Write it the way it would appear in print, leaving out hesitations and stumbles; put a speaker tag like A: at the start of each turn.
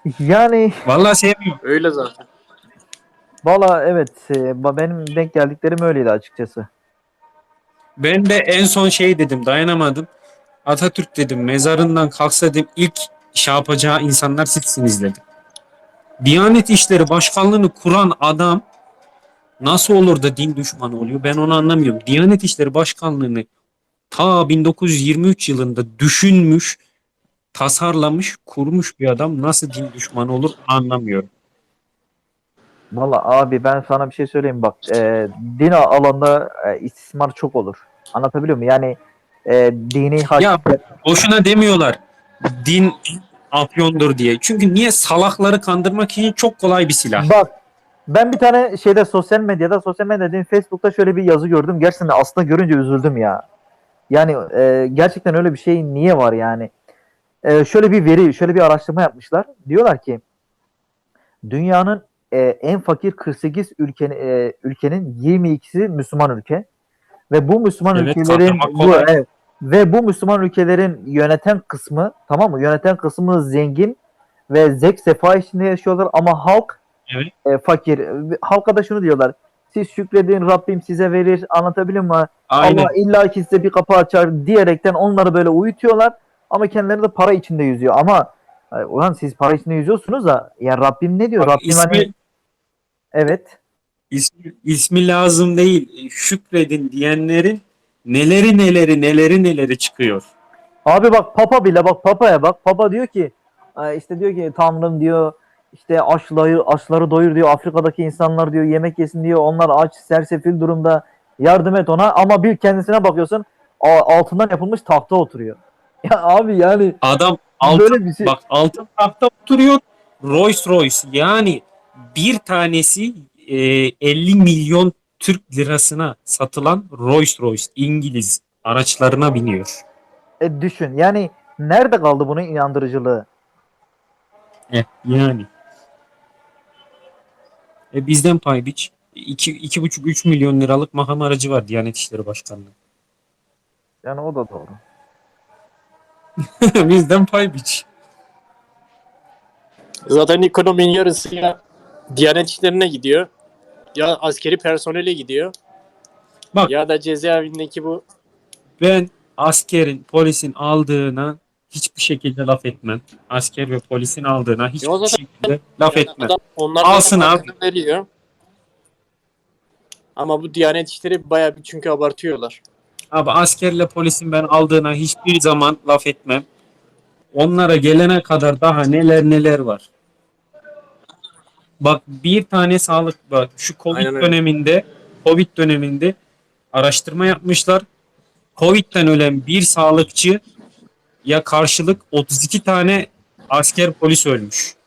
A: Yani
B: Vallahi sevmiyorum.
C: Öyle zaten.
A: valla evet, benim denk geldiklerim öyleydi açıkçası.
B: Ben de en son şey dedim, dayanamadım. Atatürk dedim, mezarından kalksa dedim, ilk şey yapacağı insanlar sizsiniz dedim. Diyanet İşleri Başkanlığı'nı kuran adam nasıl olur da din düşmanı oluyor? Ben onu anlamıyorum. Diyanet İşleri Başkanlığı'nı ta 1923 yılında düşünmüş, tasarlamış, kurmuş bir adam nasıl din düşmanı olur anlamıyorum.
A: Valla abi ben sana bir şey söyleyeyim bak. Din alanda istismar çok olur. Anlatabiliyor muyum? Yani dini
B: Ya
A: hakikatler.
B: boşuna demiyorlar din afyondur diye. Çünkü niye, salakları kandırmak için çok kolay bir silah.
A: Bak, ben bir tane şeyde sosyal medya dediğim Facebook'ta şöyle bir yazı gördüm. Gerçekten aslında görünce üzüldüm ya. Yani gerçekten öyle bir şey niye var yani? Şöyle bir araştırma yapmışlar. Diyorlar ki dünyanın en fakir 48 ülkenin 22'si Müslüman ülke ve bu Müslüman
B: Evet,
A: ülkelerin
B: kandırmak kolay.
A: bu Müslüman ülkelerin yöneten kısmı, tamam mı? Yöneten kısmı zengin ve zevk sefa içinde yaşıyorlar ama halk
B: Evet,
A: fakir. Halka da şunu diyorlar. Siz şükredin, Rabbim size verir. Anlatabiliyor muyum? Allah
B: aynen.
A: illa ki size bir kapı açar diyerekten onları böyle uyutuyorlar. Ama kendileri de para içinde yüzüyor. Ama ulan siz para içinde yüzüyorsunuz da ya Rabbim ne diyor?
B: Bak,
A: Rabbim hani evet.
B: ismi lazım değil. Şükredin diyenlerin neleri çıkıyor.
A: Abi bak Papa bile, bak Papa'ya bak. Papa diyor ki işte diyor ki Tanrım diyor işte açları doyur diyor. Afrika'daki insanlar diyor yemek yesin diyor. Onlar aç, sersefil durumda. Yardım et ona ama bir kendisine bakıyorsun altından yapılmış tahta oturuyor. Ya abi yani
B: Adam altın,
A: böyle bir şey.
B: bak, altın tahta oturuyor. Rolls Royce, yani bir tanesi 50 milyon Türk lirasına satılan Rolls Royce İngiliz araçlarına biniyor.
A: Düşün yani nerede kaldı bunun inandırıcılığı?
B: Yani bizden pay biç. 2,5-3 milyon liralık makam aracı var Diyanet İşleri Başkanlığı.
A: Yani o da doğru.
B: Bizden pay biç.
C: Zaten ekonominin yarısı ya Diyanet işlerine gidiyor. Ya askeri personele gidiyor.
B: Bak,
C: Ya da cezaevindeki bu
B: ben askerin, polisin aldığına hiçbir şekilde laf etmem. Asker ve polisin aldığına
C: o
B: hiçbir
C: zaten
B: şekilde laf
C: yani
B: etmem.
C: adam onlar zaten
B: Alsın abi.
C: hakkını veriyor. Ama bu Diyanet işleri bayağı bir çünkü abartıyorlar.
B: Abi, askerle polisin ben aldığına hiçbir zaman laf etmem. Onlara gelene kadar daha neler var. Bak, bir tane sağlık, bak şu
C: Aynen öyle.
B: Covid döneminde araştırma yapmışlar. Covid'den ölen bir sağlıkçı ya karşılık 32 tane asker polis ölmüş.